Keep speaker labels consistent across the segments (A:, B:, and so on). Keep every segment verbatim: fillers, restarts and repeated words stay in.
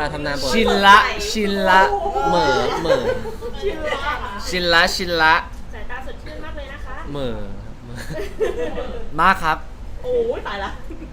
A: ลาทำนานปกติ
B: ชินละชินละ
A: เหม่อเหม่อ
B: ชินละชินละ
C: สายตาสดชื่นมากเลยนะคะ
A: เหม่อเหม่อ
B: มากครับ
C: โอ้ยตายละ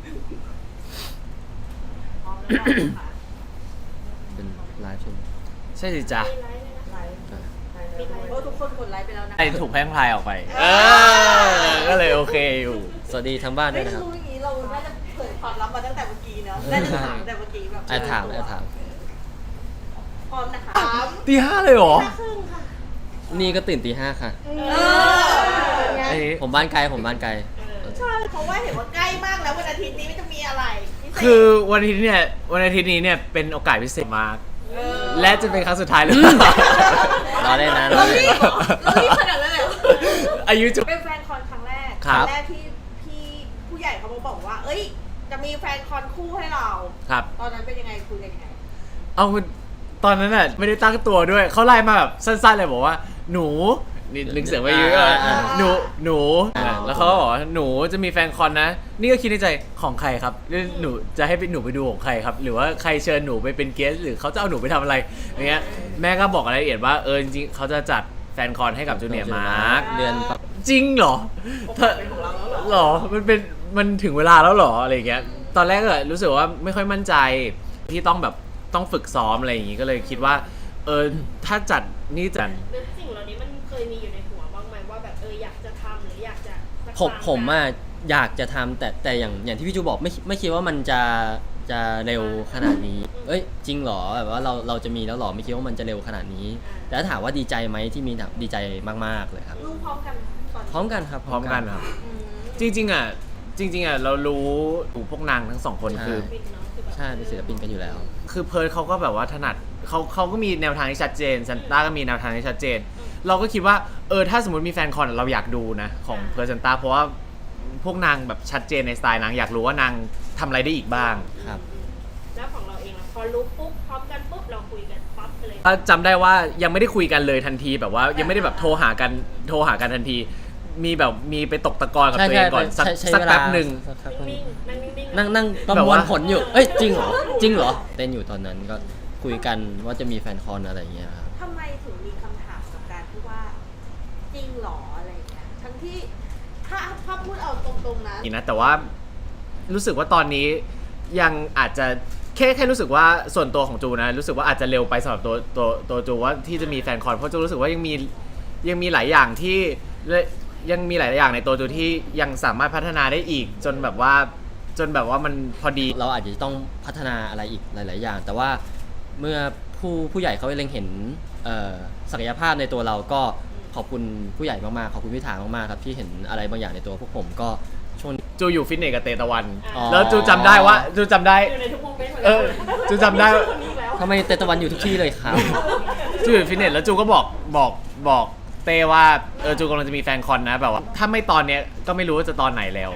C: พร้อมแล้วค่ะ
A: เป็นไลฟ์ใช่ไหม
B: ใช่สิจ๊ะ
C: ไลฟ์เลยนะไลฟ์ไลฟ์เลยโอ้ทุกคนกดไลฟ์ไปแล้วนะ
B: ไอถูกแพร่งพลายออกไป เออ ก็เลยโอเคอยู่
A: สวัสดีทั้งบ้านด้
C: ไม่
A: วยนะครับ
C: รู้อย่างนี้เราน่าจะเผยความลับมาตั้งแต่เมื่อกี้เนาะน่าจะถามแต่เมื่อกี้แบบ
A: แอบถามแอบถาม
C: พร้อมนะคะ
B: ตีห้าเลยเหรอ
C: ห้าครึ่งค่ะ
A: นี่ก็ตื่นตีห้าค่ะ
C: เออ
B: ไอ้
A: ผมบ้านไกลผมบ้านไกล
C: ใช่เพราะว่าเห็นว่าใกล้มากแล้ววันอาทิตย์นี้มันจะมีอะไรพิเศษ
B: คือวันอาทิตย์เนี่ยวันอาทิตย์นี้เนี่ยเป็นโอกาสพิเศษมาก
C: เออ
B: และจะเป็นครั้งสุดท้ายเลย
A: รอได้นะร
C: เรา
A: อได้
C: รีบเหรอเรารีบขนาดนั้นเลยเหรอ
B: อายุจุ
C: เป็นแฟนคอนครั้งแรก
B: ครับ
C: งแรกที่พี่ผู้ใหญ่เขามาบอกว่า เอ้ย จะมีแฟนคอนคู่ให้เรา
B: ครับ
C: ตอนนั้นเป็นยังไงคุยกันยังไง
B: เอาตอนนั้นน่ะไม่ได้ตั้งตัวด้วย เขาไล่มาแบบสั้นๆเลยบอกว่า หนูนี่ลึกเสียงไปเยอะ
A: อ่า
B: หนูหนูแล้วเขาก็บอกว่าหนูจะมีแฟนคอนนะ นี่ก็คิดในใจของใครครับหนูจะให้หนูไปดูของใครครับ หรือว่าใครเชิญหนูไปเป็นเกสหรือเขาจะเอาหนูไปทำอะไรอย่างเงี้ยแม่ก็บอกรายละเอียดว่าเออจริงๆเขาจะจัดแฟนคอนให้กับจูเนียร์มาร์ค
A: เดือนปะ
B: จริงเหรอถ้าหรอ มันเป็น มันถึงเวลาแล้วเหรอ อะไรอย่างเงี้ย ตอนแรกก็รู้สึกว่าไม่ค่อยมั่นใจที่ต้องแบบต้องฝึกซ้อมอะไรอย่างงี้ ก็เลยคิดว่า เออ ถ้าจัดนี่จัด
C: เรื่องสิ่งเหล่านี้มันเคยมีอยู่ในหัวบ้างไหมว่าแบบเอออยากจะทำหรืออยากจะสัก
A: ผม
C: ครั้ง
A: ผมอ่ะอยากจะทำแต่แต่อย่างอย่างที่พี่จูบอกไม่ไม่คิดว่ามันจะจะเร็วขนาดนี้ เอ้ยจริงเหรอแบบว่าเราเราจะมีแล้วเหรอไม่คิดว่ามันจะเร็วขนาดนี้ แต่ถ้าถามว่าดีใจไหมที่มีดีใจมากๆเลยครับ
C: รู้พร้อมกันตอน
A: พร้อมกันครับ
B: พร้อมกันครับ
C: อืม
B: จริงๆอ่ะ จริง ๆอ่ะเรารู้พวกนางทั้งสองคนคือ
C: ปิดเนาะคือแบบ
A: ใช่เป็นศิลปินกันอยู่แล้ว
B: คือเพิร์ดเขาก็แบบว่าถนัดเขาเขาก็มีแนวทางที่ชัดเจนซันต้าก็มีแนวทางที่ชัดเจน เราก็คิดว่าเออถ้าสมมติมีแฟนคอนเราอยากดูนะของเพิร์ดซันต้าเพราะว่าพวกนางแบบชัดเจนในสไตล์นางอยากรู้ว่านางทำอะไรได้อีกบ้าง
A: ครับ
C: แล้วของเราเองล่ะพอรู้ปุ๊บพร้อมกันปุ๊บเราคุยกันปั๊บเลย
B: ก็จำได้ว่ายังไม่ได้คุยกันเลยทันทีแบบว่ายังไม่ได้แบบโทรหากันโทรหากันทันที มีแบบมีไปตกตะกอนกับ
A: ใช่
B: ตัวเองก่อนสัก
A: ใช่ใช่
B: สัก
A: เวลา
B: แป๊บหนึ่ง
A: สักแป๊บหนึ่ง
C: นิ่งๆนั่งนิ่งๆ
A: นั่งนั่งประมวลผลอยู่ เอ้ยจริงเหรอจริงเหรอเต้นอยู่ตอนนั้นก็คุยกันว่าจะมีแฟนคอนอะไรอย่างเงี้ยครับ
C: ทำไมถึงมีคำถามกับการที่ว่าจริงเหรออะไรอย่างเงี้ยทั้งที่ถ้าถ้าพูดเอาตรงๆนะ
B: อีกนะแต่ว่ารู้สึกว่าตอนนี้ยังอาจจะแค่แค่รู้สึกว่าส่วนตัวของจูนะรู้สึกว่าอาจจะเร็วไปสำหรับตัวตัวตัวจูว่าที่จะมีแฟนคอนเพราะจูรู้สึกว่ายังมียังมีหลายอย่างที่และยังมีหลายอย่างในตัวจูที่ยังสามารถพัฒนาได้อีก จนแบบว่าจนแบบว่ามันพอดี
A: เราอาจจะต้องพัฒนาอะไรอีกหลาย ๆ อย่าง แต่ว่าเมื่อผู้ผู้ใหญ่เขาเล็งเห็นเอ่อศักยภาพในตัวเราก็ขอบคุณผู้ใหญ่มาก ๆ ขอบคุณพี่ถามาก ๆ ครับที่เห็นอะไรบางอย่างในตัวพวกผมก็ช่วงนี้
B: จูอยู่ฟิตเนสกับเตตะวัน
A: อ๋อ
B: แล้วจูจำได้ว่าจูจำได้
C: อยู่ในทุกโมเมนต์
B: เออจูจำได้
C: คนนี้แล้ว
A: ทำไมเตตะวันอยู่ทุกที่เลยครับ
B: จูอยู่ฟิตเนสแล้วจูก็บอกบอกบอกเต้ว่าเออจูกำลังจะมีแฟนคอนนะแบบว่าถ้าไม่ตอนเนี้ยก็ไม่รู้ว่าจะตอนไหนแล้ว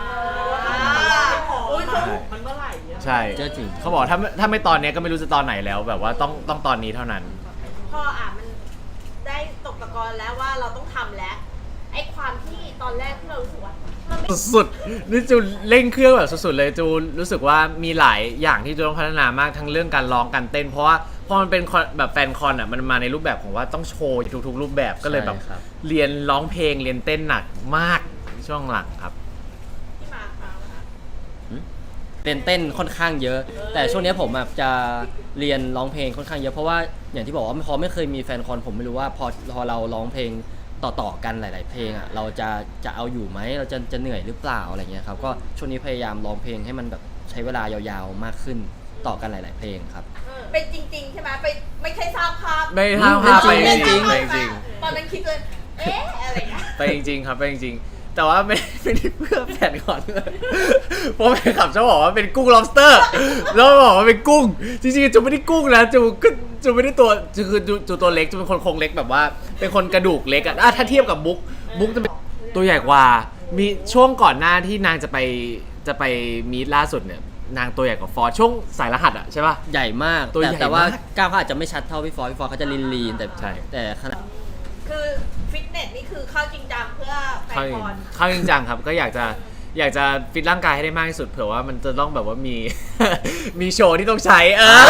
C: โอ้ยมันเมื่อไหร่เนี่ย
B: ใช่
A: เจอจริง
B: เขาบอกถ้าถ้าไม่ตอนเนี้ยก็ไม่รู้จะตอนไหนแล้ว แบบว่าต้องต้องตอนนี้เท่านั้น
C: พออ่ะมันได้ตกตะกอนแล้วว่าเราต้องทำแล้วไอ้ความที่ตอนแรกที่เรารู้สึกว่ามันไม่
B: สุดๆนี่จูเร่งเครื่องแบบสุดๆเลยจูรู้สึกว่ามีหลายอย่างที่จูต้องพัฒนามากทั้งเรื่องการร้องการเต้น เพราะว่าพอมันเป็นคอนแบบแฟนคอนอ่ะมันมาในรูปแบบของว่าต้องโชว์ทุกๆ รูปแบบก็เลยแบบ
A: ใช่ครับ
B: เรียนร้องเพลงเรียนเต้นหนักมากช่วงหลังครับ
C: ที่มาคราวนะคะ
A: เรียนเต้นค่อนข้างเยอะ แต่ช่วงนี้ผมอะจะเรียนร้องเพลงค่อนข้างเยอะเพราะว่าอย่างที่บอกว่าพอไม่เคยมีแฟนคอนผมไม่รู้ว่าพอพอเราร้องเพลงต่อๆกันหลาย ๆ เพลงอ่ะเราจะจะเอาอยู่ไหมเราจะจะเหนื่อยหรือเปล่าอะไรเงี้ยครับก็ช่วงนี้พยายามร้องเพลงให้มันแบบใช้เวลายาวๆมากขึ้นต่อกันหลาย ๆ เพลงครับ
C: เป็นจริง ๆ ใช่ไหมไปไม่ใช่สร้างภาพ
B: ไม่ห้ามภาพไป
A: จ
B: จ
A: ริ
B: ริ
A: ง
B: ง
A: ๆ
B: ไปจริง
C: ตอนนั้นคิดเลยเอ๊ะอะไรเงี้ย
B: ไปจริงๆครับไปจริงๆแต่ว่าไม่ไม่ได้เพื่อแฟนคอนเพราะแฟนคลับชอบบอกว่าเป็นกุ้ง lobster แล้วบอกว่าเป็นกุ้งจริงๆจูไม่ได้กุ้งนะจูก็จูไม่ได้ตัวจูคือจูจูตัวเล็กจูเป็นคนโครงเล็กแบบว่าเป็นคนกระดูกเล็กอะอ่ะถ้าเทียบกับบุ๊กบุ๊กจะเป็นตัวใหญ่กว่ามีช่วงก่อนหน้าที่นางจะไปจะไปมีตล่าสุดเนี่ยนางตัวใหญ่กว่าฟอร์ช่วงสายรหัสอะใช่ป่ะ
A: ใหญ่มาก
B: ตัว
A: แต่
B: ใหญ่
A: แต่ว่าม
B: าก
A: ก้าวเขาอาจจะไม่ชัดเท่าพี่ฟอร์พี่ฟอร์เขาจะลีนลีนๆแต่
B: ใช่
A: แต่ขนาด
C: คือฟิตเนสนี่คือเข้าจริงจังเพื่อแฟ
B: เข้าน จริ
C: ค
B: ง
C: อน
B: เข้าจริงจังครับก็อยากจะอยากจะฟิตร่างกายให้ได้มากที่สุดเผื่อว่ามันจะต้องแบบว่ามี มีโชว์ที่ต้องใช้เออ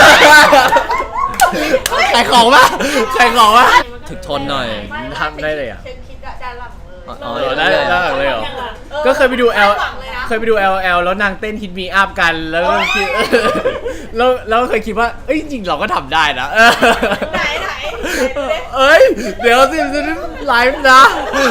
B: ขายของป่ะขายของป่ะ
A: ถึกทนหน่อย
C: ไม่ม่
B: ทำได้เลยอะ
C: เช็คคิดด้านหลังเลย
A: อ๋อ
B: เออได้ได้ได้เลยเหรอ
C: ออ
B: ก็เคยไปดู L
C: คาหวังเลยนะ
B: เคยไปดู แอล แอล แล้วนางเต้นฮิตมีอัพกันแล้วก็คิด แล้วแล้วเคยคิดว่าเอ้ยจริงๆเราก็ทำได้นะเออ
C: ไหนไหนไหนดูดิ
B: เอ้ยเดี๋ยวสิจะไลฟ์นะ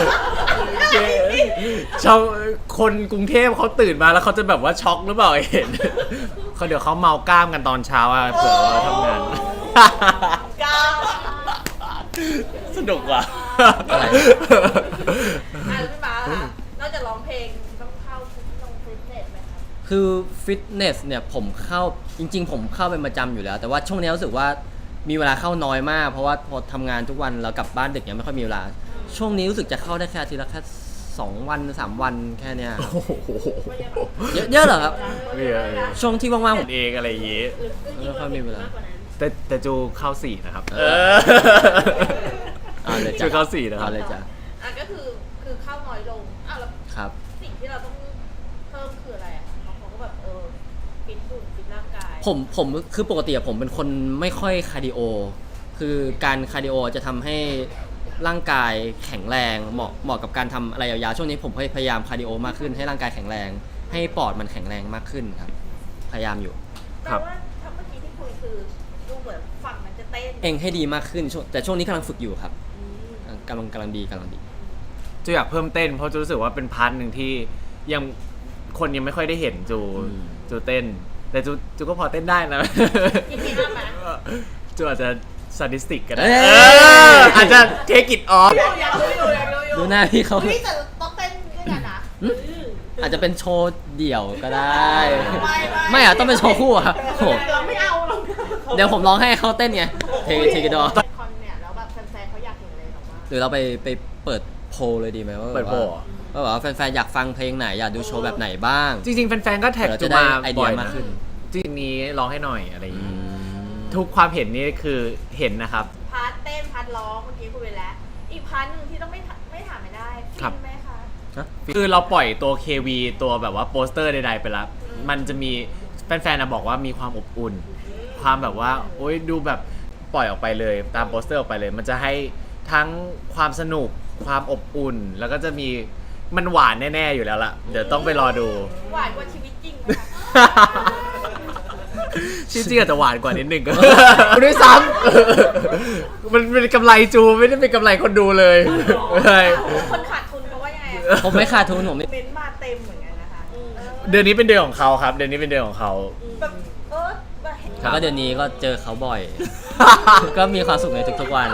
B: ชาวคนกรุงเทพเขาตื่นมาแล้วเขาจะแบบว่าช็อกหรือเปล่าเห็นเขาเดี๋ยวเขาเมากล้ามกันตอนเช้าอะเผื่อเราทำงาน
C: ก้าว
B: สนุกว่ะ
A: อะไร
C: อ่ะแล้วพี่ม้าล่ะนอกจากร้องเพลงต้องเข้าลงฟิตเนสไหมคะ
A: คือฟิตเนสเนี่ยผมเข้าจริง ๆ ผมเข้าเป็นประจำอยู่แล้ว แต่ว่าช่วงนี้รู้สึกว่ามีเวลาเข้าน้อยมาก เพราะว่าพอทำงานทุกวันแล้วกลับบ้านดึกเนี่ยไม่ค่อยมีเวลา ช่วงนี้รู้สึกจะเข้าได้แค่อาทีละแค่สองวันสามวันแค่เนี้ย
B: โอ้โห
A: เยอะเยอะเหรอครับ
B: ไม่เยอะเลย
A: ช่วงที่ว่างๆผม
B: เองอะไรอย่างงี้
A: ไม่ค่อยมีเวลา
B: แต่แต่จูเข้าสี่นะครับ
A: เออ เอาเลยจ้ะ
B: จูเข้าสี่นะครับ
A: เอาเลยจ้ะ
C: อ่ะก็คือคือเข้าน้อยลงอ้าวแล้ว
A: ครับ
C: สิ่งที่เราต้องเพิ่มคืออะไรอ่ะบางคนก็แบบเออฟิตหุ่นฟิตร่างกาย
A: ผมผมคือปกติอะผมเป็นคนไม่ค่อยคาร์ดิโอ คือการคาร์ดิโอจะทำให้ร่างกายแข็งแรงเหมาะเหมาะกับการทำอะไรยาวๆช่วงนี้ผมพยายามคาร์ดิโอมากขึ้นให้ร่างกายแข็งแรง ให้ปอดมันแข็งแรงมากขึ้นครับ พยายามอยู่
C: แปลว่าถ้าเมื่อกี้ที่คุยคือดูเหมือนฝั่งมันจะเต้น
A: เองให้ดีมากขึ้นช่วงแต่ช่วงนี้กำลังฝึกอยู่ครับ
C: อืม
A: กำลังกำลังดีกำลังดี
B: จูอยากเพิ่มเต้นเพราะจูรู้สึกว่าเป็นพาร์ทหนึ่งที่ยังคนยังไม่ค่อยได้เห็นจู
A: อืม
B: จูเต้น แต่จูจูก็พอเต้นได้นะ
C: กินมีน้ำไหม
B: จูอาจจะซาดิสติกก็ได้
A: เอ้ย
B: เอออาจจะเทคอิทออฟ
C: อยากรู้อยู่อยากรู้อยู่
A: ดูหน้าพี่เขา
C: เฮ้ยแต่ต้องเต้นด้วยกันนะ
A: อาจจะเป็นโชว์เดี่ยวก็ได้
C: ไม่
A: ไม่อะต้องเป็นโชว์คู่อะโห
C: เราไม่เอาเรา
A: เดี๋ยวผมร้องให้เขาเต้นไงเทเทกิดอ
C: คอนเนี่ยแล้วแบบแฟนๆเขาอยากเห็นอะไรหรอวะ
A: หรือเราไปไปเปิดโพลเลยดีไหมว่า
B: เปิดโพลเหรอ
A: ว่าแบบว่าแฟนๆอยากฟังเพลงไหนอยากดูโชว์แบบไหนบ้าง
B: จริงๆ แฟนๆ ก็แท็ก
A: เดี๋ยว
B: จู
A: จะได้
B: มา
A: ไอเดี
B: บ่
A: ย
B: อย
A: มาก
B: นะ
A: ขึ้น
B: จริงๆนี้ร้องให้หน่อยอะไรอย่าง
A: อื
B: งี้
A: ม
B: ทุกความเห็นนี่คือเห็นนะครับ
C: พาร์ทเต้นพาร์ทร้องเมื่อกี้คุยไปแล้ว อีกพาร์ทหนึ่งที่ต้องไม่ถไม่ถามไม่ได้
B: ครับ
C: ฟินไหมคะ
B: คือเราปล่อยตัว เค วี ตัวแบบว่าโปสเตอร์ใดๆไปแล้ว
C: อืม
B: มันจะมีแฟนๆนะบอกว่ามีความอบอุ่น ความแบบว่า โอ๊ยดูแบบปล่อยออกไปเลย ตามโปสเตอร์ออกไปเลย มันจะให้ทั้งความสนุกความอบอุ่น แล้วก็จะมีมันหวานแน่ๆอยู่แล้วล่ะ เดี๋ยวต้องไปรอดู
C: หวานกว่าชีวิตจริงไหมคะ
B: จริงๆอาจจะหวานกว่านิดนึงก็ ด้วยซ้ำมันเป็นกำไรจูไม่ได้เป็นกำไรคนดูเลยใช่
C: คนขาดทุนเพราะว่ายังไงอะ
A: ผมไม่ขาดทุนผมไม่
C: เม้นต์มาเต็มเหมือนกันนะคะเออ
B: เดือนนี้เป็นเดือนของเขาครับ เดือนนี้เป็นเดือนของเขา
C: แบบเออแบบเห็น
A: แล้วก็เดือนนี้ก็เจอเขาบ่อย ก็มีความสุขในทุกๆวัน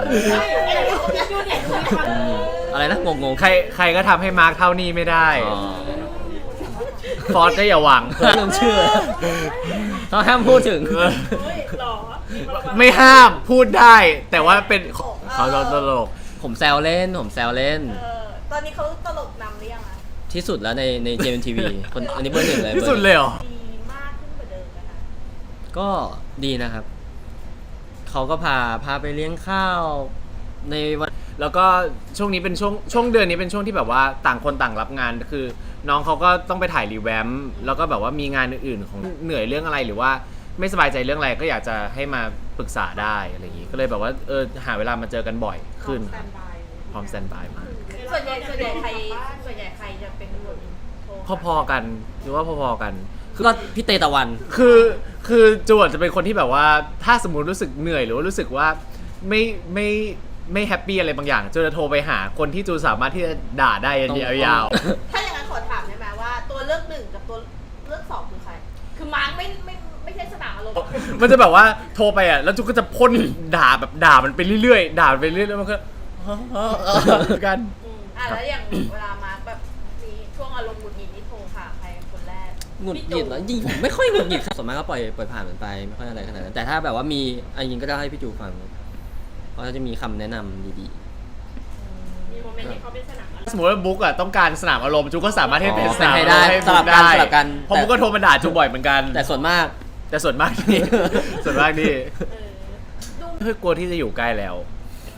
A: อืมอะไรนะงงๆ
B: ใครใครก็ทำให้มาร์คเท่านี้ไม่ได้
A: อ๋อ
B: ฟอสก็อย่าหวัง
A: เรื่องชื่อเขาห้ามพูดถึง
C: เฮ้ยหรอ
B: ไม่ห้ามพูดได้ แต่ว่าเป็นเขาตลก
A: ผมแซวเล่น ผมแซวเล่น
C: เออตอนนี้เขาตลกนำหรือยังอะ
A: ที่สุดแล้วในในเจมทีวีคนอันนี้เบอร์หนึ่งเลย
B: ที่สุดเลยเหรอ
C: ดีมากขึ้นกว่าเดิมนะคะ
A: ก็ดีนะครับ เขาก็พาพาไปเลี้ยงข้าวในวัน
B: แล้วก็ช่วงนี้เป็นช่วงช่วงเดือนนี้เป็นช่วงที่แบบว่าต่างคนต่างรับงานคือ น้องเขาก็ต้องไปถ่ายรีแวมป์แล้วก็แบบว่ามีงานอื่นๆของเหนื่อยเรื่องอะไรหรือว่าไม่สบายใจเรื่องอะไรก็อยากจะให้มาปรึกษาได้อะไรอย่างงี้ก็เลยแบบว่าเออหาเวลามาเจอกันบ่อยขึ้น
C: สแตนบาย
B: พร้อมสแตนบายมาก
C: ส่วนใหญ่ส่วนใหญ่ใครส่วนใหญ่ใครจะเป็นคนโทร
B: พอๆกันหรือว่าพอๆกัน
A: ก็พี่เตตะวัน
B: คือคือจวดจะเป็นคนที่แบบว่าถ้าสมมติรู้สึกเหนื่อยหรือว่ารู้สึกว่าไม่ไม่ไม่แฮปปี้อะไรบางอย่างจูจะโทรไปหาคนที่จูสามารถที่จะด่าได้ยาว
C: ถ้าอย่างนั้นขอถามได้ไหมว่า ตัวเลือกหนึ่งกับตัวเลือกสองคือใคร คือมาร์คไม่ไม่ไม่ใช่สนามอารมณ์
B: ๆมันจะแบบว่าโทรไปอ่ะแล้วจูก็จะพ่นด่าแบบด่ามันไปเรื่อยๆด่ามันไปเรื่อยๆแล้วมันก็ กัน
C: อืมอ่ะแล้วอย่างเวลามาร์คแบบมีช่วงอารมณ์หงุดหงิดนี่โทรหาใครคนแรก
A: หงุดหงิดเหรอจริงผมไม่ค่อยหงุดหงิดครับส่วนมากก็ปล่อยปล่อยผ่านมันไปไม่ค่อยอะไรขนาดนั้นแต่ถ้าแบบว่ามีอันยิงก็จะให้พี่จูฟังเพราะเขาจะมีคำแนะนำดี
C: มีโมเมนต์ที่เขาเป็นสนามอารมณ์
B: สมมติว่าบุ๊กอ่ะต้องการสนามอารมณ์จูก็สามารถให้เป็น
A: อ๋อ
B: สนาม
A: ให้
B: อาร
A: ได้
B: มณ์ให้
A: สลั
B: บุ๊
A: บ
B: ก
A: กัน
B: ได้
A: สลับกัน
B: เพราะบุ๊กก็โทรมาด่าจูบ่อยเหมือนกัน
A: ๆ แต่ส่วนมาก
B: แต่ส่วนมากนี่ ส่วนมากนี่
C: เออดู
B: เฮ้ยกลัวที่จะอยู่ใกล้แล้ว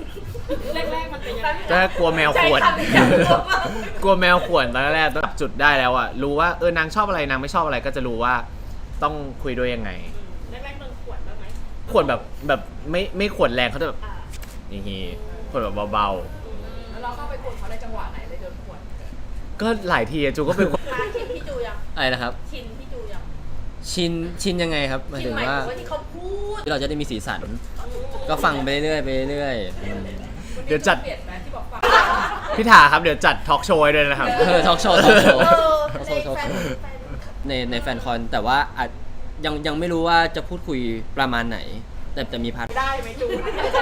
C: แรกๆมันเป็นยังไง
B: ถ้ากลัวแมวข่วน
C: ใช้คำนี้อย่างกลัวมาก
B: กลัวแมวข่วนตอนแรกต้องจับจุดได้แล้วอะรู้ว่าเออนางชอบอะไรนางไม่ชอบอะไรก็จะรู้ว่าต้องคุยด้วยยังไง
C: แรกๆมันขวดบ้างไหม
B: ข่วนแบบแบบไม่ไม่ข่วนแรงเขาจะแบบ
C: อ่า
B: อย่างงี้ข่วนแบบเบา
D: แล้วเราเข้าไปกดเขาในจังหวะไหนเลยโดนขวด
B: ๆก็หลายทีอะจูก็เป็นคน
C: มาชินพี่จูยัง
A: อะไรนะครับ
C: ชินพี่จูยัง
A: ชินชินยังไงครับหมาย
C: ชิน
A: ถึง
C: หมาย
A: ว่า
C: ถึงว่าที่เขาพูด
A: ที่เราจะได้มีสีสัน ก็ฟังไปเรื่อยๆไปเรื่อยๆอืม
B: เดี๋ยวจัด
D: เปลี่ยนไหมที่บอกฟัง
B: พี่ถาครับเดี๋ยวจัดทอล์กโชว์ให้ด้วยนะครับ
A: เออทอล์กโชว์ทอล์กโชว์
C: เออ
A: ทอล์ก
C: ใน
A: โชว์ทอล์ก
C: แฟ
A: โช
C: น
A: ว์
C: แฟน
A: ในในแฟนคอนแต่ว่าอาจยังยังไม่รู้ว่าจะพูดคุยประมาณไหน แต่แต่มีพาร์ท
C: ได้ไหมจู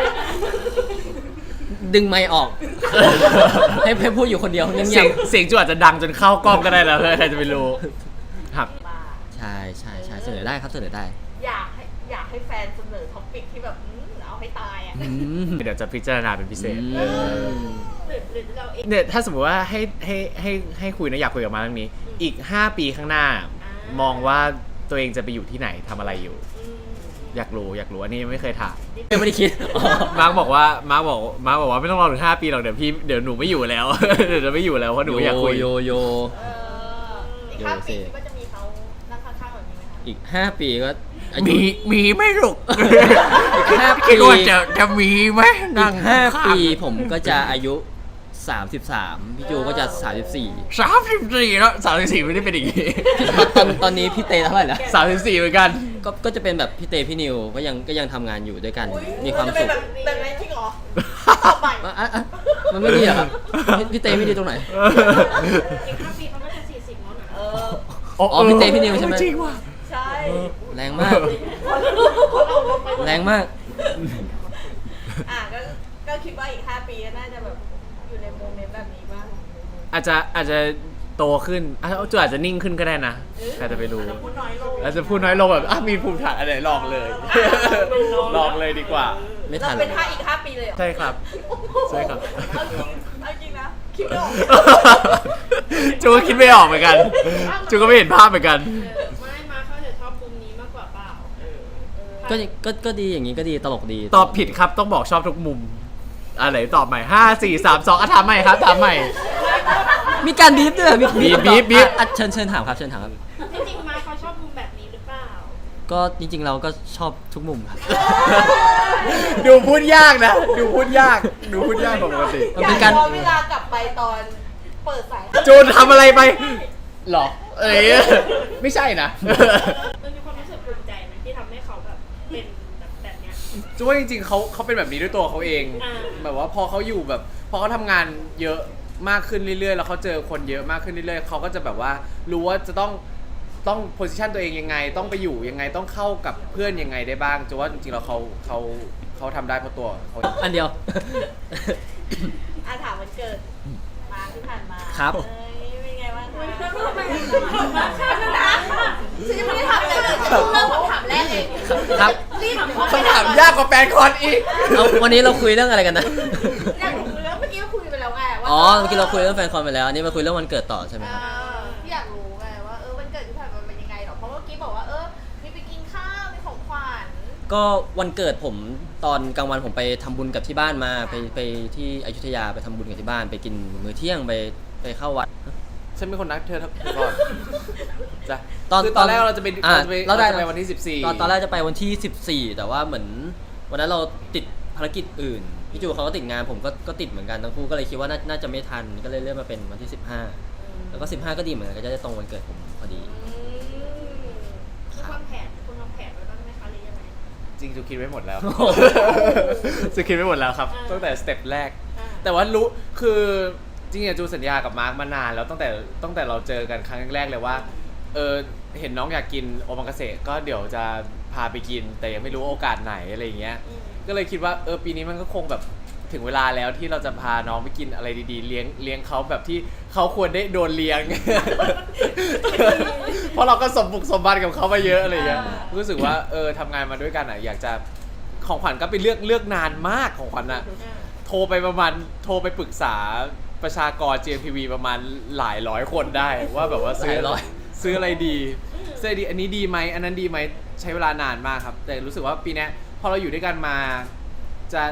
A: ดึงไมค์ออก ให้ให้พูดอยู่คนเดียวเงี
B: เสี
A: ย
B: ย
A: บ
B: งเสียงจูอาจจะดังจนเข้ากล้องก็ได้แล้วใครจะไปรู้ครับ
C: มา
A: ๆใช่ใช่ใช่เสนอได้ครับเสนอได้
C: อยากให้อยากให้แฟนเสนอท็อปิกที่แบบอืมเอาให้ตายอ่ะ
A: อืม
B: เดี๋ยวจะพิจารณาเป็นพิเศษ
A: อืม
C: หรือหรือเราเอง
B: เนี่ยถ้าสมมติว่าให้ให้ให้ให้คุยนะอยากคุยกับมาเรื่องนี้ อีก ห้า ปีข้างหน้า
C: อ่าม
B: มองว่าตัวเองจะไปอยู่ที่ไหนทำอะไรอยู่
C: อืม
B: อยากรู้อยากรู้อันนี้ยังไม่เคยถาม
A: ยังไม่ได้คิดอ๋อ
B: มาร์กบอกว่ามาร์กบอกมาร์กบอกว่าไม่ต้องรอถึงห้าปีหรอกเดี๋ยวพี่เดี๋ยวหนูไม่อยู่แล้ว เดี๋ยวจะไม่อยู่แล้วเพราะหนูอยากคุย
A: โยโย
C: เอออีกห้าปีคิดว่าจะมีเขานั่งข้างๆแบบนี้ไหมคะ
A: อีกห้าปีก็อายุ
B: มีมีไม่หรอก
A: อีกห้าปี
B: คิดว่าจะจะมีไหม
A: อี
B: นั่ง
A: กห้า
B: ข้ง
A: ปีผมก็จะอายุสามสิบสามพี่จูก็จะสามสิบสี่
B: สามสิบสี่แล้วสามสิบสี่ไม่ได้เป็นอย่างนี้
A: ตอนตอนนี้พี่เตเท่าไหร่แล้ว
B: สามสิบสี่เหมือนกัน
A: ก็ก็จะเป็นแบบพี่เตพี่นิวก็ยังก็ยังทำงานอยู่ด้วยกัน
C: อุ๊ย
A: มีความ
C: จะเป็
A: สุ
C: น
A: ข
C: แบบแบบไหนจริงเหรอต่อไป
A: อ่ะอ่ะอ่ะมันไม่ดีเหรอครับพี่พี่เตไม่ดีตรงไหน
C: อีกห้าปีเขาก็จะสี่สิบแล้วนะเออ
A: อ๋อพี่เต้พี่นิวใช่ไหม
B: จริงว่ะ
C: ใช่
A: แรงมาก แรงมาก
C: อ่ะก็ก็คิดว่าอีกห้าปีก็น่าจะแบบอยู่ในโมเมนต์แบบนี้บ้าง
B: อาจจะอาจจะโตขึ้นอาจจะจูอาจจะนิ่งขึ้นก็ได้นะใครจะไปรู้
C: อาจจะพูดน้อยลง
B: อาจจะพูดน้อยลงแบบอ่ะมีภูมิฐานอะไรลองเลย ลองเลยดีกว่า
A: ไม่ทัน
C: เราเป็นห้าอีกห้าปีเลยเหรอ
B: ใช่ครับ ใช่ครับ
C: เอาจริงเอาจริงนะคิดไม่ออก
B: จูก็คิดไม่ออกเหมือนกัน จูก็ไม่เห็นภาพเหมือนกัน
C: ไม่มาเขาจะชอบมุมนี้มากกว่าเปล่า
A: ก็ก็ก็ดีอย่างนี้ก็ดีตลกดี
B: ตอบผิดครับต้องบอกชอบทุกมุมอะไรตอบใหม่ห้าสี่สามสองอ่ะถามใหม่ครับถามใหม่
A: มีการบีบด้วยเหรอ
B: บีบบีบบีบ
A: อ่ะอ่ะเชิญเชิญถามครับเชิญถามครับ
C: จริงๆมาเขาชอบมุมแบบนี้หรือเปล่า
A: ก็จริง ๆ เราก็ชอบทุกมุมครับ
B: ดูพูดยากนะ ดูพูดยาก ดูพูดยากกว่าปกติ
A: มัน
C: อ
A: เป็
C: ยาน ก
A: การ
C: ย้อนเวลากลับไปตอนเปิดสาย
B: จูนทำอะไรไปหรอ เอ้ยไม่ใช่นะ
C: มันมีความรู้สึกภูมิใจไหมที่ทำให้เขาแบบเป็นแบบแบบเนี้ย
B: จูว่าจริงๆเขาเขาเป็นแบบนี้ด้วยตัวเขาเอง
C: อ่า
B: แบบว่าพอเขาอยู่แบบพอเขาทำงานเยอะมากขึ้นเรื่อยๆ แล้วเขาเจอคนเยอะมากขึ้นเรื่อยๆเขาก็จะแบบว่ารู้ว่าจะต้องต้องโพสิชันตัวเองยังไง ต้องไปอยู่ยังไงต้องเข้ากับเพื่อนยังไงได้บ้างจูว่าจริงๆแล้วเขาเขาเขาทำได้เพราะตัวเขา
A: อันเดียว
C: อาถามวันเกิดมาที่ผ่านมา
A: ครับ
C: เอ้ยเป็นไงบ้างคะฉันยังไม่ได้ถามอะไรเลยฉันเพิ่งเริ่มคำถามแรกเอง
A: ครับ
C: รีบ
B: คำถามยากกว่าแฟนคอนอีก
A: เอาวันนี้เราคุยเรื่องอะไรกันนะ
C: อยากรู้เรื่องเมื่อกี้ก็คุยไปแล้วไงว่า
A: อ๋อเมื่อกี้เราคุยเรื่องแฟนคอนไปแล้วอันนี้มาคุยเรื่องวันเกิดต่อใช่ไหม
C: เอ
A: ครับ
C: อที่อยากรู้ไงว่าเออวันเกิดที่ผ่านมาเป็นยังไงหรอเพราะเมื่อกี้บอกว่าเออมีไปกินข้าวมีของขวัญ
A: ก็วันเกิดผมตอนกลางวันผมไปทำบุญกับที่บ้านมาไปไปที่อยุธยาไปทำบุญกับที่บ้านไปกินมื้อเที่ยงไปไปเข้าวัด
B: ฉันเป็นคนนัดเธอทักก่อนจ้ะ
A: ตอน
B: คือตอนแรกเราจะไป
A: อ่ะ
B: เราจะไป
A: เราได้
B: เราจะไปวันที่สิบสี่
A: ตอนตอนแรกจะไปวันที่สิบสี่แต่ว่าเหมือนวันนั้นเราติดภารกิจอื่นพี่จูเขาก็ติดงานผมก็ก็ติดเหมือนกันทั้งคู่ก็เลยคิดว่าน่าน่าจะไม่ทันก็เลยเลื่อนมาเป็นวันที่สิบห้าแล้วก็สิบห้าก็ดีเหมือนกันก็จะได้ตรงวันเกิดผมพอดี
C: คุณวางแผนคุณวางแผนไว้บ้างไหมคะหรือยังไง
B: จริงจูคิดไว้หมดแล้ว
A: โอ้โห
B: จูคิดไว้หมดแล้วครับ
C: อ่า
B: ตั้งแต่สเต็ปแรก
C: อ่า
B: แต่ว่ารู้คือจริงๆจูสัญญากับมาร์กมานานแล้วตั้งแต่ตั้งแต่เราเจอกันครั้งแรกเลยว่าเออเห็นน้องอยากกินโอมากาเสะก็เดี๋ยวจะพาไปกิน แต่ยังไม่รู้โอกาสไหนอะไรอย่างเงี้ย
C: อืม
B: ก็เลยคิดว่าเออปีนี้มันก็คงแบบถึงเวลาแล้วที่เราจะพาน้องไปกินอะไรดีๆ เลี้ยงเลี้ยงเขาแบบที่เขาควรได้โดนเลี้ยง เพราะเราก็สมบุกสมบัติกับเขามาเยอะอะไรอย่างเงี้ยรู้สึกว่าเออทำงานมาด้วยกันอ่ะอยากจะของขวัญก็ไปเลือกเลือกนานมากของขวัญอ่ะ
C: อ่า
B: โทรไปประมาณโทรไปปรึกษาประชากร จี เอ็ม ที วี ประมาณหลายร้อยคนได้ว่าแบบว่าซื้อ
A: หลายร้อย
B: ซื้ออะไรดีซื้ออะไรดีอันนี้ดีไหมอันนั้นดีไหมใช้เวลานานมากครับ แต่รู้สึกว่าปีนี้พอเราอยู่ด้วยกันมาจะ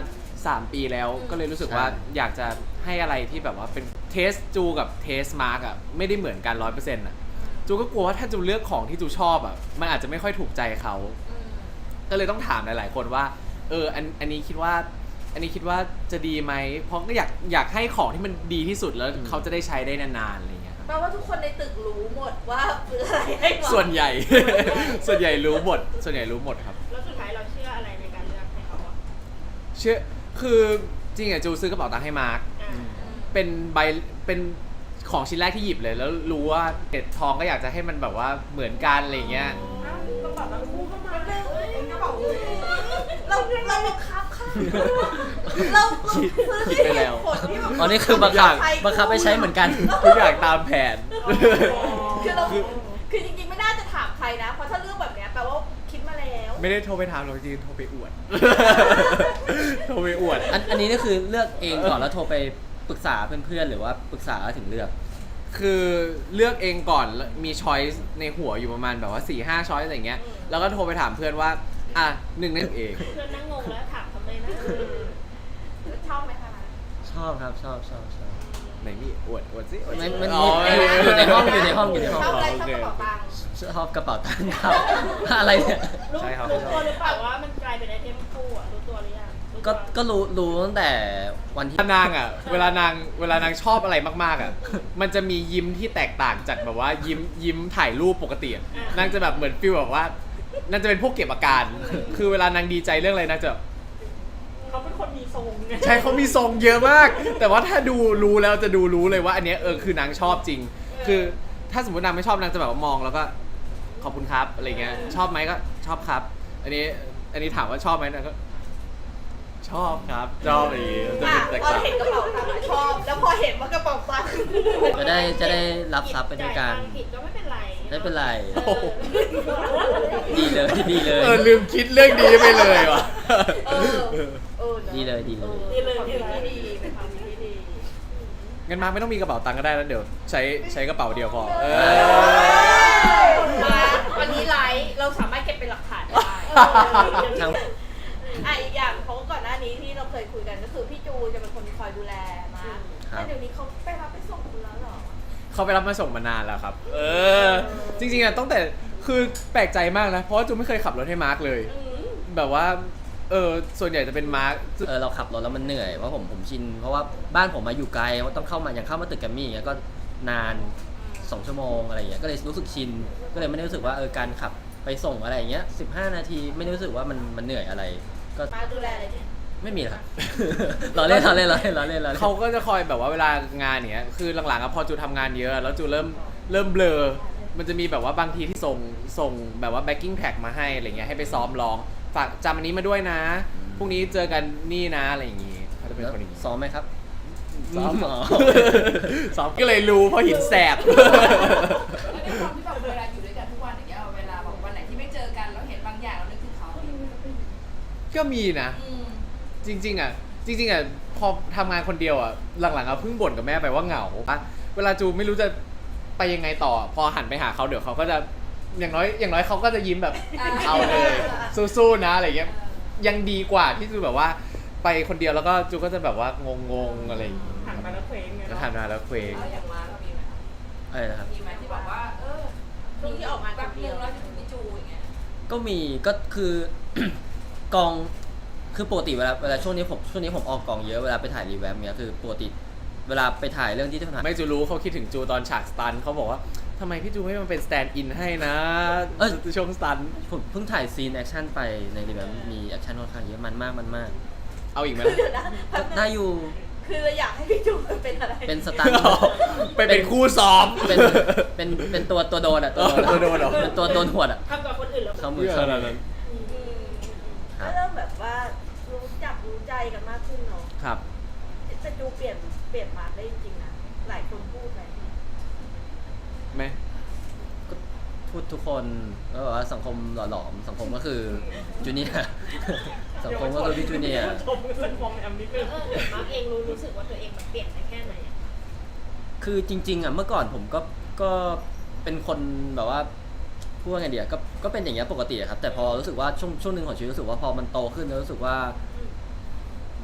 B: สามปีแล้วก็เลยรู้สึกว่าอยากจะให้อะไรที่แบบว่าเป็นเทสจูกับเทสมาร์กอ่ะไม่ได้เหมือนกันร้อยเปอร์เซ็นต์อ่ะจูก็กลัวว่าถ้าจูเลือกของที่จูชอบอ่ะมันอาจจะไม่ค่อยถูกใจเขาก็เลยต้องถามหลายๆคนว่าเอออันอันนี้คิดว่าอันนี้คิดว่าจะดีไหมเพราะก็อยากอยากให้ของที่มันดีที่สุดแล้วเขาจะได้ใช้ได้นานๆอะไรเงี้ย
C: แปลว่าทุกคนในตึกรู้หมดว่าซื้ออะไรให้ก่อน
B: ส่วนใหญ่ ส่วนใหญ่รู้หมดส่วนใหญ่รู้หมดครับ
C: แล้วสุดท้ายเราเชื่ออะไรในการเลือกให้เขาอ่ะ
B: เชื่อคือจริงอ่ะจูซื้อกระเป๋าตังค์ให้มาร์ค
C: อ่า
B: เป็นใบเป็นของชิ้นแรกที่หยิบเลยแล้วรู้ว่าเกล็ดทองก็อยากจะให้มันแบบว่าเหมือนกันอะไรเงี้ย
C: กระเป๋าตังค์คู่เข้ามาเอ้ยกระเป๋าคู่เราเราบังคับค่ะเราซื้อ
B: คิดไปแล้ว
C: ผลที่แบบ
A: อ๋อนี่คือบังคับบังคับให้ใช้เหมือนกัน
B: ทุกอย่างตามแผน
C: คือเราคือจริงๆไม่น่าจะถามใครนะ เพราะถ้าเรื่องแบบเนี้ยแปลว่าคิดมาแล้ว
B: ไม่ได้โทรไปถามหรอกจริงๆโทรไปอวด โทรไปอวด
A: อันอันนี้นี่คือเลือกเองก่อนแล้วโทรไปปรึกษาเพื่อนๆหรือว่าปรึกษาแล้วถึงเลือก
B: คือเลือกเองก่อนแล้วมีช้อยส์ในหัวอยู่ประมาณแบบว่าสี่ห้าช้อยส์อะไรเงี้ยแล้วก็โทรไปถามเพื่อนว่าอ่ะหนึ่งในเอง
C: เพื่อนนั่งงงแล้วถามทำไมนะชอบไหมคะ
A: ชอบครับชอบชอบชอบ
B: ไหนมีอวดอวดสิอวดสิ
A: ไม่มัน
B: อ๋อ
A: อยู่ในห้องอยู่ในห้องอยู่ในห้อง
C: ชอบอะไรชอบกระเป๋าตังค์
A: ชอบกระเป๋าตังค์ครับ อะไรเนี่ย
B: ใช่ครับ
C: รู้ตัวหรือเปล่าว่ามันกลายเป็นไอเทมคู่อ่ะรู้ตัวหรือยังรู้
A: ก็
C: ตัว
A: ก็รู้รู้ตั้งแต่วันที่
B: นางอ่ะเวลานางเวลานางชอบอะไรมากๆอ่ะมันจะมียิ้มที่แตกต่างจากแบบว่ายิ้มยิ้มถ่ายรูปปกติอะนางจะแบบเหมือนฟีลแบบว่านางจะเป็นพวกเก็บอาการ คือเวลานางดีใจเรื่องอะไรนางจะ
C: เขาเป็นคนมีทรงไง
B: ใช่เขามีทรงเยอะมาก แต่ว่าถ้าดูรู้แล้วจะดูรู้เลยว่าอันเนี้ยเออคือนางชอบจริง คือถ้าสมมตินางไม่ชอบนางจะแบบว่ามองแล้วก็ขอบคุณครับอะไรเงี้ยชอบไหมก็ชอบครับ อันนี้อันนี้ถามว่าชอบไหมนางก็ชอบครับชอบอะไรอย่างงี้จะ
C: อ่ะ
B: เป็นแตก
C: พอ
B: ต่าง
C: เห็นกระเป๋าตังค์อะชอบ แล้วพอเห็นว่ากระเป๋าตังค์
A: จะได้จะได้รับทรัพย์ไปด้วยกัน
C: จ่ายตังค์ผิดก็ไม่เป็นไร
A: ไม่เป็นไร
C: เออ
A: ดีเลยดีเลย
B: เออลืมคิดเรื่องนี้ไปเลยว่ะ
C: เออเออนะ
A: ดีเลยดีเลย
C: ดีเลยดีเลยดีเป็นความคิดที่ดี
B: งั้นมาร์คไม่ต้องมีกระเป๋าตังค์ก็ได้แล้วเดี๋ยวใช้ใช้กระเป๋าเดียวพอเออ
C: มาวันนี้ไลฟ์เราสามารถเก็บเป็นหลักฐานได้
A: ทั้ง
C: อ่ะอีกอย่างเพราะว่าก่อนหน้านี้ที่เราเคยคุยกันก็คือพี่จูจะเป็นคนคอยดูแลมา
A: ครับ
C: แต่เดี๋ยวนี้เขาไปรับไปส่งคุณแล้วเหรอ
B: เขาไปรับมาส่งมานานแล้วครับ เออ จริงๆอ่ะตั้งแต่คือแปลกใจมากนะ เพราะว่าจูไม่เคยขับรถให้มาร์คเลย
C: อืม
B: แบบว่า เออ ส่วนใหญ่จะเป็นมาร์ค
A: เออเราขับรถแล้วมันเหนื่อยเพราะผมผมชิน เพราะว่าบ้านผมมาอยู่ไกลว่าต้องเข้ามาอย่างเข้ามาตึกแกรมมี่อย่างเงี้ยก็นานสองชั่วโมงอะไรอย่างเงี้ยก็เลยรู้สึกชิน ก็เลยไม่ได้รู้สึกว่าเออการขับไปส่งอะไรอย่างเงี้ยสิบห้านาทีไม่ได้รู้สึกว่ามันมันเหนื่อยอะไร ก็
C: มาดูแลอะไรเนี่ย
A: ไม่มีหรอกครับ เราเล่นเราเล่นเราเล่นเราเล่นเราเล่น
B: เขาก็จะคอยแบบว่าเวลางานเนี้ย คือหลังๆอะพอจูทำงานเยอะ แล้วจูเริ่มเริ่มเบลอ มันจะมีแบบว่าบางทีที่ส่งส่งแบบว่า backing track มาให้อะไรเงี้ย ให้ไปซ้อมร้อง ฝากจำอันนี้มาด้วยนะ พรุ่งนี้เจอกันนี่นะอะไรอย่างงี้เขาจะเป็นคนอย่างงี้
A: ซ้อมไหมครับ
B: ซ้อม
A: อ๋อ
B: ซ้อมก็เลยรู้เพราะหินแสบ
D: แล้วในความที่แบบเวลาอยู่ด้วยกันทุกวันอย่างเงี้ยเวลาแบบวันไหนที่ไม่เจอกันแล้วเห็นบางอย่างเรานึกถึงเขา
B: ก็มีนะ
D: อืม
B: จริงๆอ่ะจริงๆอ่ะพอทำงานคนเดียวอ่ะหลังๆอ่ะเพิ่งบ่นกับแม่ไปว่าเหงาอะเวลาจูไม่รู้จะไปยังไงต่อ พอหันไปหาเขาเดี๋ยวเขาก็จะอย่างน้อยอย่างน้อยเขาก็จะยิ้มแบบ
D: อ่า
B: เอาเลยสู้ๆนะอะไรเงี้ยยังดีกว่าที่จูแบบว่าไปคนเดียวแล้วก็จูก็จะแบบว่างงๆอะไรอย่างเงี้ย
C: หันมาแล้วเคว้งไง
B: แล้วทำงานแล้วเคว้ง
D: แล้วอย่างมาเรามีไหมคะ
A: อะไรนะครับ
D: มีไหมที่บอกว่า เออ
C: ช่วงที่ออกมา
D: แป๊บนึงแล้วจะถึงพี่จูอย่างเงี้ย
A: ก็มีก็คือ กองคือปกติเวลาเวลาช่วงนี้ผมช่วงนี้ผมออกกองเยอะเวลาไปถ่ายรีแวมเนี้ยคือปกติเวลาไปถ่ายเรื่องที่ที่ถ่าย
B: ไม่จูรู้เขาคิดถึงจูตอนฉากสตันเขาบอกว่าทำไมพี่จูไม่มาเป็นสแตนด์อินให้นะช่วงสตัน
A: ผมเพิ่งถ่ายซีนแอคชั่นไปในรีแวมมีแอคชั่นค่อนข้างเยอะมันมากมันมาก
B: เอาอีกไหม
C: คือเดี๋ยวนะ
A: ก็ได้อยู่
C: คือเราอยากให้พี่จูเป็นอะไร
A: เป็นสตันท์
B: ไปเป็นคู่ซ้อม
A: เป็นเป็นเป็นตัวตัวโดนอ่ะตัวโดน
B: ตัวโดนเหรอ
A: เป็นตัวโดนหวดอ่ะ
C: ทำกับคนอื่นแล้ว
A: เข้ามือ
B: เยอะ
A: เข้า
B: ขนาด
A: มื
B: นั้
A: อน
C: อืม
A: ครั
C: ก็
A: บ
C: เริ่มแบบว่ารู้จักรู้ใจกันมากขึ้นเนาะ
B: ครับ
C: แต่จูเปลี่ยนเปลี่ยนมาได้จริงๆนะหลายคนพูดเลย
B: ไหม
A: ก็พูดทุกคนก็บอกว่าสังคมหล่อหลอมสังคมก็คือจูเนียร์ สังคมก็คือพี่จูเนียร์
C: ชมกันมองแอมนิดนึงมาร์กเองรู้รู้สึกว่าตัวเองมันเปลี่ยนไปแค่ไหนอะ
A: คือจริงๆอ่ะเมื่อก่อนผมก็ก็เป็นคนแบบว่าพูดว่าไงเดียก็ก็เป็นอย่างเงี้ยปกติอะครับแต่พอรู้สึกว่าช่วงช่วงหนึ่งของชีวิตรู้สึกว่าพอมันโตขึ้นแล้วรู้สึกว่า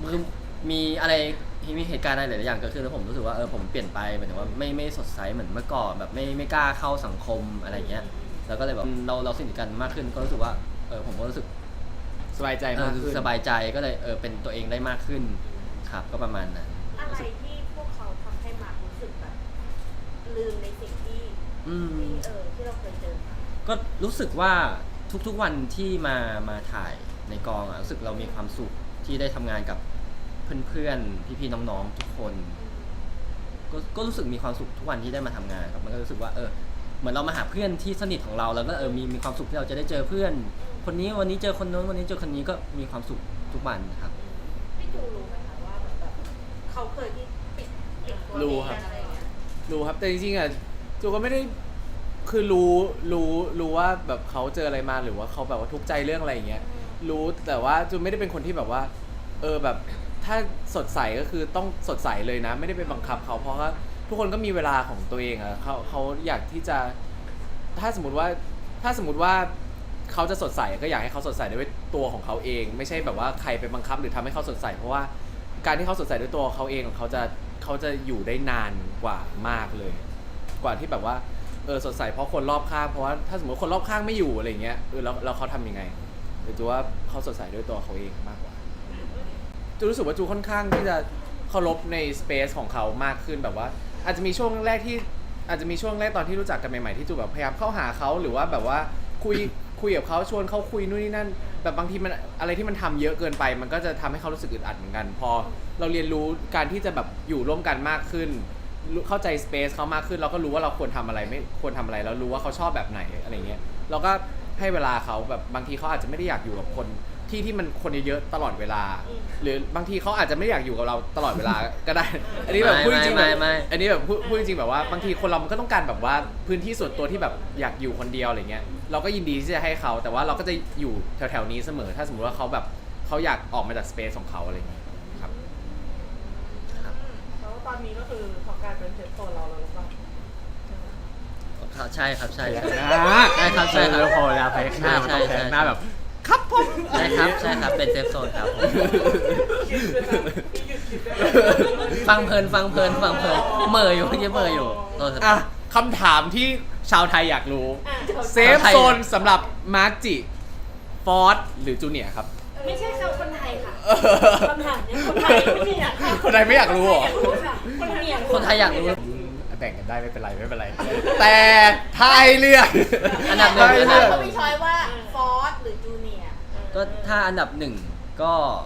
A: คือมีอะไรมีเหตุการณ์อะไรหลายๆอย่างเกิดขึ้นแล้วผมรู้สึกว่าเออผมเปลี่ยนไปหมายถึงว่าไม่ไม่สดใสเหมือนเมื่อก่อนแบบไม่ไม่กล้าเข้าสังคมอะไรเงี้ยแล้วก็เลยแบบเราเราสนิทกันมากขึ้นก็รู้สึกว่าเออผมก็รู้สึก
B: สบายใจ
A: เอ
B: มา
A: อก
B: ขึ้น
A: สบายใจก็เลยเออเป็นตัวเองได้มากขึ้นครับก็ประมาณนั้น
C: อะไรที่พวกเขาทำให้มาร์ครู้สึกแบบลืมในสิ่งที่
A: อืม
C: ที่เออที่เราเคยเจอมา
A: ก็รู้สึกว่าทุกๆวันที่มามาถ่ายในกองอ่ะรู้สึกเรามีความสุขที่ได้ทำงานกับเพื่อนๆพี่ๆน้องๆทุกคนก็ก็รู้สึกมีความสุขทุกวันที่ได้มาทำงานครับมันก็รู้สึกว่าเออเหมือนเรามาหาเพื่อนที่สนิทของเราแล้วก็เออมีมีความสุขที่เราจะได้เจอเพื่อน คนนี้วันนี้เจอคนโน้นวันนี้เจอคนนี้ก็มีความสุขทุกวันครับ
C: พี่จูรู้ไหมคะว่าแบบแบบเขาเคยที่ปิดปิดตัว
B: รู้
C: เอง
B: ครับ
C: อะไรอย่างเงี้ย
B: รู้ครับแต่จริงๆอ่ะจูก็ไม่ได้คือรู้รู้รู้ว่าแบบเขาเจออะไรมาหรือว่าเขาแบบว่าทุกข์ใจเรื่องอะไรอย่างเงี้ยรู้แต่ว่าจูไม่ได้เป็นคนที่แบบว่า เออแบบถ้าสดใสก็คือต้องสดใสเลยนะ ไม่ได้ไปบังคับเขาเพราะว่าทุกคนก็มีเวลาของตัวเองอะเขาเขาอยากที่จะถ้าสมมติว่าถ้าสมมติว่าเขาจะสดใสก็อยากให้เขาสดใสด้วยตัวของเขาเอง ไม่ใช่แบบว่าใครไปบังคับหรือทำให้เขาสดใสเพราะว่าการที่เขาสดใสด้วยตัวเขาเองเขาจะเขาจะอยู่ได้นานกว่ามากเลย กว่าที่แบบว่าเออสดใสเพราะคนรอบข้างเพราะว่าถ้าสมมติคนรอบข้างไม่อยู่อะไรเงี้ยเออแล้วแล้วเขาทำยังไงหรือจูว่าเขาสดใสด้วยตัวเขาเองมากกว่าจูรู้สึกว่าจูค่อนข้างที่จะเคารพในสเปซของเขามากขึ้นแบบว่า อาจจะมีช่วงแรกที่อาจจะมีช่วงแรกตอนที่รู้จักกันใหม่ๆที่จูแบบพยายามเข้าหาเขาหรือว่าแบบว่าคุยคุยกับเขาชวนเขาคุยนู่นนี่นั่นแบบบางทีมันอะไรที่มันทำเยอะเกินไป มันก็จะทำให้เขารู้สึกอึดอัดเหมือนกัน พอเราเรียนรู้การที่จะแบบอยู่ร่วมกันมากขึ้นรู้เข้าใจสเปซเขามากขึ้นเราก็รู้ว่าเราควรทำอะไรไม่ควรทำอะไรแล้วรู้ว่าเขาชอบแบบไหนอะไรเงี้ยเราก็ให้เวลาเขาแบบบางทีเขาอาจจะไม่ได้อยากอยู่กับคนที่ที่มันคนเยอะๆตลอดเวลา หรือบางทีเขาอาจจะไม่อยากอยู่กับเราตลอดเวลาก็ได้ อันนี้แบบพูดจริงๆ
A: ไม่
B: แบบ
A: ไม่
B: อันนี้แบบพูดพูดจริงๆแบบว่าบางทีคนเรามันก็ต้องการแบบว่าพื้นที่ส่วนตัวที่แบบอยากอยู่คนเดียวอะไรเงี้ยเราก็ยินดีที่จะให้เขาแต่ว่าเราก็จะอยู่แถวๆนี้เสมอถ้าสมมติว่าเขาแบบเขาอยากออกมาจากสเปซของเขาอะไรเงี้ยครับ
E: แล้วตอนนี้ก็คือพอกลายเป็นเซฟโซนเราแล้วหรือเปล่า
A: ครับใช่ครับใช่ใช่
B: นะ
A: ใช่ครับใช่ครับ
B: แล้วพอเวลาไปข้างหน้ามันต้องแทงหน้าแบบครับผม
A: ใช่ครับใช่ครับเป็นเซฟโซนครับผม
E: คิดด้วยนะพี่หยุดคิดได้ไหม
A: ฟังเพลินฟังเพลินฟังเพลินเหม่ออยู่เมื่อกี้เหม่ออยู่โทษครับ
B: อ่ะคำถามที่ชาวไทยอยากรู้
C: อ่ะ
B: เซฟโซนสำหรับมาร์กจิฟอร์ดหรือจูเนียร์ครับ
C: ไม่ใช่เขาคนไทยค่ะคำถามเนี้ยคนไทยไม่มีอยาก
B: คนไทยไม่อยากรู้เหรอ
C: ค่ะคนไทยอยาก
A: คนไทยอยากรู้
B: แบ่งกันได้ไม่เป็นไรไม่เป็นไร แต่ไทยเลือก
A: อันดับหนึ่ง
B: ไทยเลือก
C: เขามีช้อยว่าฟอร์สหรือจูเนียร์
A: ก็ถ้าอันดับหนึ่งก็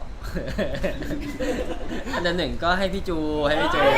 A: อันดับหนึ่งก็ให้พี่จูให้พี่จู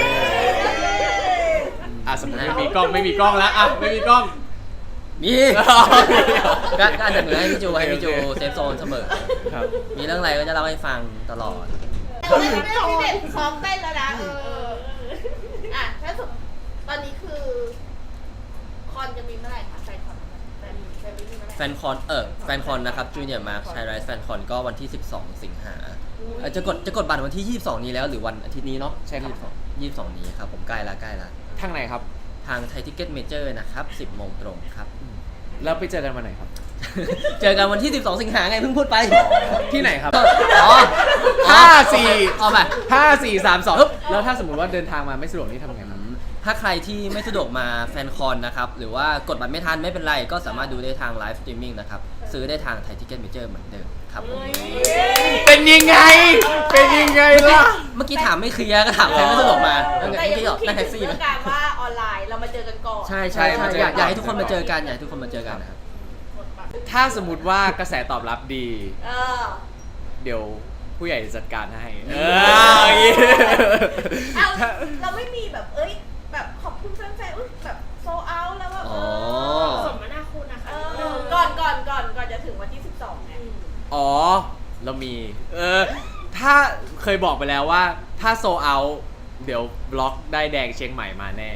B: อ่ะสมมติไม่มีกล้องไม่มีกล้องแล้วอ่ะไม่มีกล้อง
A: มีก็ก็อันดับหนึ่งให้พี่จูให้พี่จูเซฟโซนเสมอ
B: ครับ
A: มีเรื่องอะไรก็จะเล่าให้ฟังตลอด
C: แต่ว่าไม่ได้พี่เด็กซ้อมเต้นแล้วนะเอออ่ะถ้าสมมติตอนนี้คือคอนจะมีเมื่อไหร่คะแฟนคอนแฟนแฟนมีเมื่อไหร่
A: แฟนคอนเออแฟนคอนนะครับจูเนียร์มาร์คชายไรส์แฟนคอนก็วันที่ สิบสอง สิงหาเอ่อจะกดจะกดบัตรวันที่ ยี่สิบสอง นี้แล้วหรือวันอาทิตย์นี้เนาะ
B: ใช่ครับ
A: ยี่สิบสองนี้ครับผมใกล้ละใกล้ละ
B: ทางไหนครับ
A: ทางไทยทิเก็ตเมเจอร์นะครับ สิบโมงตรงครับ
B: แล้วไปเจอกันวันไหนครับ
A: เจอกันวันที่ สิบสอง สิงหาไงเพิ่งพูดไป
B: ที่ไหนครับ
A: อ๋อ
B: ห้าสี่
A: เอาไป
B: ห้าสี่สามสองแล้วถ้าสมมติว่าเดินทางมาไม่สะดวกนี่ทำไงครับ
A: ถ้าใครที่ไม่สะดวกมาแฟนคอนนะครับ หรือว่ากดบัตรไม่ทันไม่เป็นไร ก็สามารถดูได้ทางไลฟ์สตรีมมิ่งนะครับ ซื้อได้ทางไทยทิเก็ตเมเจอร์เหมือนเดิมครับผม
B: เป็นยังไง เป็นยังไงล่ะ
A: เมื่อกี้ถามไม่เคลียร์ก็ถามใครไม่สะดวกมาแล้วไง
C: แต่
A: เมื่อ
C: ยัง
A: กี้บอก
C: คิด
A: นั่งแท็กซี่
C: ถึง
A: ไหม
C: เรื่องการว่าออนไลน์เรามาเจอกันก่อน
A: ใช่ใช่
B: ใช่
A: ใช่
B: มาเจอ
A: อยากอยากให้
B: ก่อน
A: ทุกคนมาเจอกันอยากให้ทุกคนมาเจอกันนะครับ
B: ถ้าสมมติว่ากระแสตอบรับดี
C: เออ
B: เดี๋ยวผู้ใหญ่จะจัดการให้ เอออย่างงี้
C: เอาเราไม่มีแบบเอ้ยแบบขอบคุณแฟนๆอุ๊ยแบบโซเอาแล้วว่าเอ
A: อ๋อ
C: อสมนาคุณนะคะเออก่อนก่อนก่อนก่อนจะถึงวันที่สิบสองเนี่ย
B: อ๋อ เรามี เออ ถ้าเคยบอกไปแล้วว่า ถ้าโซเอา เดี๋ยวบล็อกได้แดงเชียงใหม่มาแน่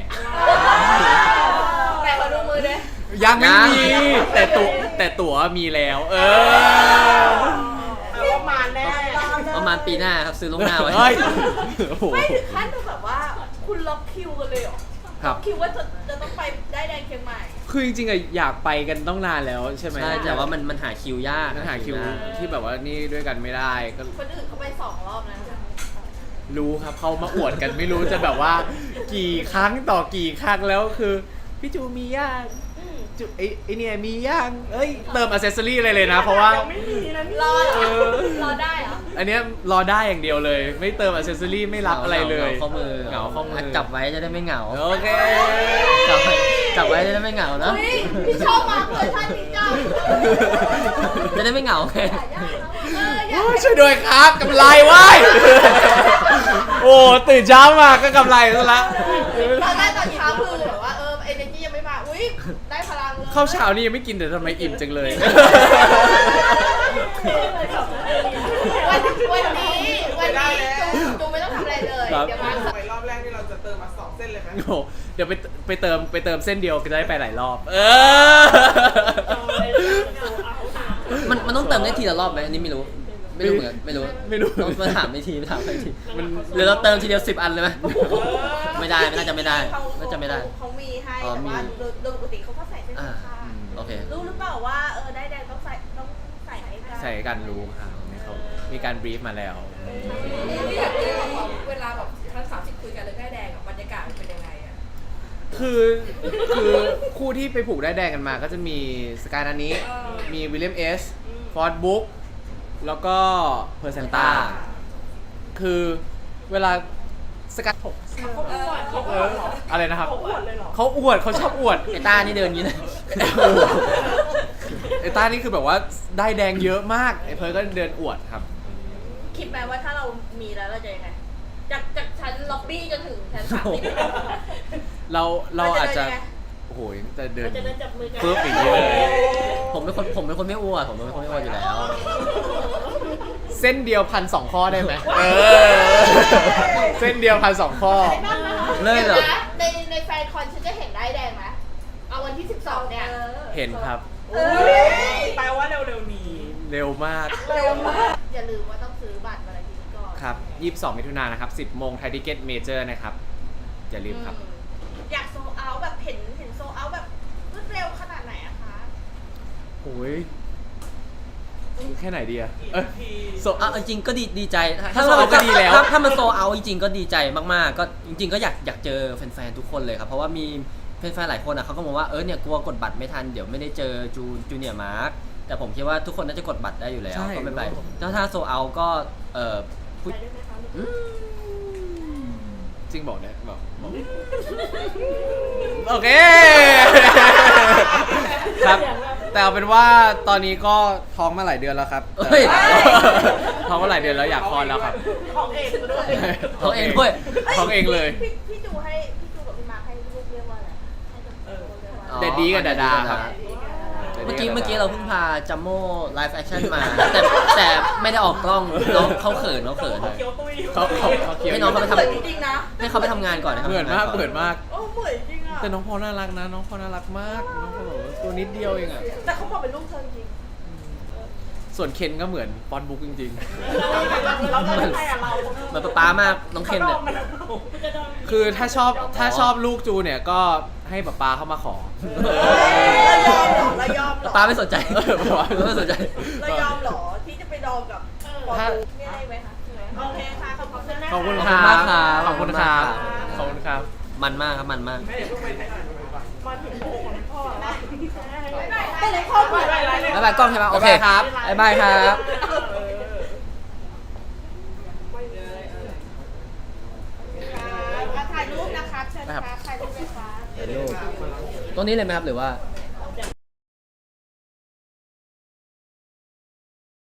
C: แต่ขอดูมือด้วย
B: ยังไม่มี
A: ยัง
B: แต่ตั๋วแต่ตั๋วมีแล้ว เออ
E: แปลว่ามาแน่
A: ประมาณปีหน้าครับซื้อล่วงหน้าไว้
B: เฮ้ยโอ้โห
C: ไม่ถึงขั้นแบบว่าคุณล็อกคิวกันเลยเหรอ
B: ครับ
C: คิดว่าจะจะต้องไปได้แดงเชียงใหม่
B: คือจริงๆอะอยากไปกันต้องนานแล้วใช่ไหม
A: ใช่แต่ว่ามันมันหาคิวยาก
B: มันหาคิวย
A: าก
B: ที่แบบว่านี่ด้วยกันไม่ได้ก็
C: คนอื่นเขาไปสองรอบแล้วนะ
B: รู้ครับเขามาอวดกันไม่รู้จะแบบว่า กี่ครั้งต่อกี่ครั้งแล้วคือพี่จูมีย่าง
C: อืม
B: จูไอ้ไอ้เนี่ยมีย่างเอ้ยเติมอ c เซสซอรี่อะไรเลยนะ เพราะว่า
E: ยังไม่มีนะนี่
C: รอเหร
B: เอ
C: อ
B: อ
C: รอได้เหรอ
B: อันเนี้ยรอได้อย่างเดียวเลย ไม่เติมอ c เซสซอรี่ไม่รับอะไรเลย
A: เหงาข้อมือ
B: เหงาข้อมือ
A: จับไว้จะได้ไม่เหงา
B: โอเค
A: จับไว้จับไว้จะได้ไม่เหงานะ
C: เฮ้ยพี่ชอบมากเลยท่านนี้จ้า
A: จะได้ไม่เหงาไง
C: เอออยา
B: โอ้
C: ก
B: ยช่วยด้วยครับกำไรเว้ย โอ้ตื่นเช้ามาก็กำไรซะละ
C: ตอนแรกตอนเช้าคือแบบว่าเออเอเนจียังไม่มา อุ้ยได้พลังเลย
B: ข้าวเช้านี่ยังไม่กินแต่ทำไมอิ่มจังเลย
C: วันวันนี้วันนี้จูจูไม่ต้องทำอะไรเลย
B: ครับ
C: เดี๋ยวมา
E: ไปรอบแรกนี่เราจะเติมมาสองเส้นเลยไหม
B: โอ้โหเดี๋ยวไปไปเติมไปเติมเส้นเดียวก็จะได้ไปหลายรอบ เออ
A: มันมันต้องเติมได้ทีละรอบไหมอันนี้ไม่รู้ ไม่รู้เหมือนกันไม่รู้
B: ไม่รู้
A: ต้องมาถามไม่ทีไปถามไปที
B: มัน
A: หรือเราเติมทีเดียวสิบอันเลยไหมไม่ได้ไม่น่าจะไม่ได้
C: เขา
A: น่าจะไม่ได้
C: เขามีให้
A: อ๋อ
C: แต่ว่า
A: มี
C: โดยโดยปกติเขาก็ใส่เส้น
A: อ่า
C: ข้าง
A: โอเค
C: รู้หรือเปล่าว่าเออได้แดงต้องใส่ต้องใส่ให้กัน
B: ใส่กันรู้ครับเขามีการบรีฟมาแล้ว
D: อยากรู้ว่าเวลาแบบทั้งสามสิบคุยกันเรื่องได้แดงอะบรรยากาศมันเป็นยังไงอะ
B: คือคือคู่ที่ไปผูกได้ายแดงกันมาก็จะมีสกายนานี้ มีวิลเลียมเอส ฟอร์ดบุ๊ก แล้วก็เพอร์เซนต้า คือเวลาสกาย
E: เขาอวดเขาอ
B: เอ
E: ว
B: อ
E: ดเหรอ
B: อะไรนะครับ
E: เขาอวดเลยเหรอ
B: เขาอวดเขาชอบอวด
A: ไอ้ต้านี่เดินอย่างนี้เลย
B: ไอ้ต้านี่คือแบบว่าได้แดงเยอะมาก ไอ้เพิร์ลก็เดินอวดครับ
C: คิดไหมว่าถ้าเรามีแล้วเราจะยังไงจากจากชั้นล็อบบี้จนถึงชั้นสามสิบ
B: เราเราอาจจะ
C: เราจะเดินยังไง
B: โอ้โหจะเดิน
C: เราจะเดินจับมือกัน
B: ปึ๊บอย่างนี้เลย
A: ผมเป็นคนผมเป็นคนไม่อ้วนผมเป็นคนไม่อ้วนอยู่แล้ว
B: เส้นเดียวพันสองข้อได้ไหมเออ เส้นเดียวพันสองข้อ
A: เลยเหรอ
C: ดี๋วนะในในแฟนคอนฉันจะเห็นได้แดงไหมเอาวันที่สิบสองเนี่ย
B: เห็นครับ
C: เอ้ย
E: แปลว่าเร็วๆนี้
B: เร็วมาก
C: เร็วมากอย่าลืมว่าต้องซื้อบัตรวันอาทิตย์ก่อน
B: ครับยี่สิบสองมิถุนายนนะครับสิบโมงไทยทิเก็ตเมเจอร์นะครับ อย่าลืมครับ
C: อืมอยากโซเอาแบบเห็นเห็นโซเอาแบบรวดเร็วขนาดไหนอะคะ
B: โอ้ยแค่ไหนดีอะเอ้ยโซ
A: อ่ะจริงๆก็ดีดีใจ
B: ถ้า sold out ก็ดีแล้ว
A: ถ้าถ้ามันโซเอาจริงๆก็ดีใจมากๆ ก็จริง ๆ ก็อยากอยากเจอแฟนๆทุกคนเลยครับ เพราะว่ามีแฟนๆหลายคนอ่ะเขาก็มองว่าเออเนี่ยกลัวกดบัตรไม่ทันเดี๋ยวไม่ได้เจอจูจูเนียร์มาร์คแต่ผมคิดว่าทุกคนน่าจะกดบัตรได้อยู่แล้ว
B: ใช่
A: ก็ไม่เป็นไรถ้าถ้าโซเอาก็เออพูด
C: ไปด้วยไหมคะ
A: อืม
B: จริงบอกได้บอกบอกโอเค ครับ แต่เอาเป็นว่าตอนนี้ก็ท้องมาหลายเดือนแล้วครับ
A: เฮ้ย
B: ท้องมาหลายเดือนแล้วอยากคลอดแล้วครับ
E: ของเองด้วย
A: เขาเองด้วย
B: ท้องเองเลย
C: พี่พี่จูให้พี่จูกับพี่มาร์คให้ลูกเรียกว่าอะไรให้กับลูกเรียกว่าอะไร
B: แดดดี้กับดาดาครับ
A: เมื่อกี้เมื่อกี้เราเพิ่งพาจัมโม่ไลฟ์แอคชั่นมา แต่แต่ไม่ได้ออกกล้องน้องเขาเขินเขาเขิน
E: เคี้ยวตุ้ย
B: เขาเขาเขาเคี้ยว
A: ให้น้องเขาไปทำ
C: เหมือนจริงๆนะ
A: ให้เขาไปทำงานก่อนนะครับ
B: เหมือนมากเหมือนมาก
C: โอ้เหมือนจริงอะ
B: แต่น้องพอน่ารักนะ น้องพอน่ารักมาก น้องพอแบบว่าตัวนิดเดียวเองอะ
C: แต่เขาบอกเป็นลูกเธอจริง
B: ส่วนเคนก็เหมือนปอนบุ๊กจริง
E: เราเราจะให้อะเรา
A: เหมือนป๊าป๊ามากน้องเคนเนี่ย
B: ๆ คือถ้าชอบถ้าชอบลูกจูเนี่ยก็ให้ป๊าป๊าเข้ามาขอ
C: เรายอมเหรอเรายอมเหรอ
A: ป๊าไม่สนใจ
B: เออป๊าป๊า
A: ไม่สนใจ
C: เรายอมเหรอที่จะไปดองกับปอ
B: ถ้า
C: ดูไม่ได้ไหมคะโอเคค่ะขอบคุณนะ
B: ขอบคุณ
A: ข
B: ค
A: อบ
B: รั
A: คุณมากครับ
B: ขอบคุณครับ ขอบคุณครับ
A: มันมากครับมันมาก
E: ไม่เดี๋ยวเพิ่งไปถ่ายมาถึงโมของพ่อ
C: ไปไหนพ่อไปไหน
A: บ๊ายบายกล้องใช่ไหมโอเค
B: บ๊ายบายครับ
A: บ๊ายบายครับ
C: ถ่ายรูปนะคะเชิญค่ะถ่ายรูปเลยค่ะ
A: ตรงนี้เลยไหมครับหรือว่า
C: ถ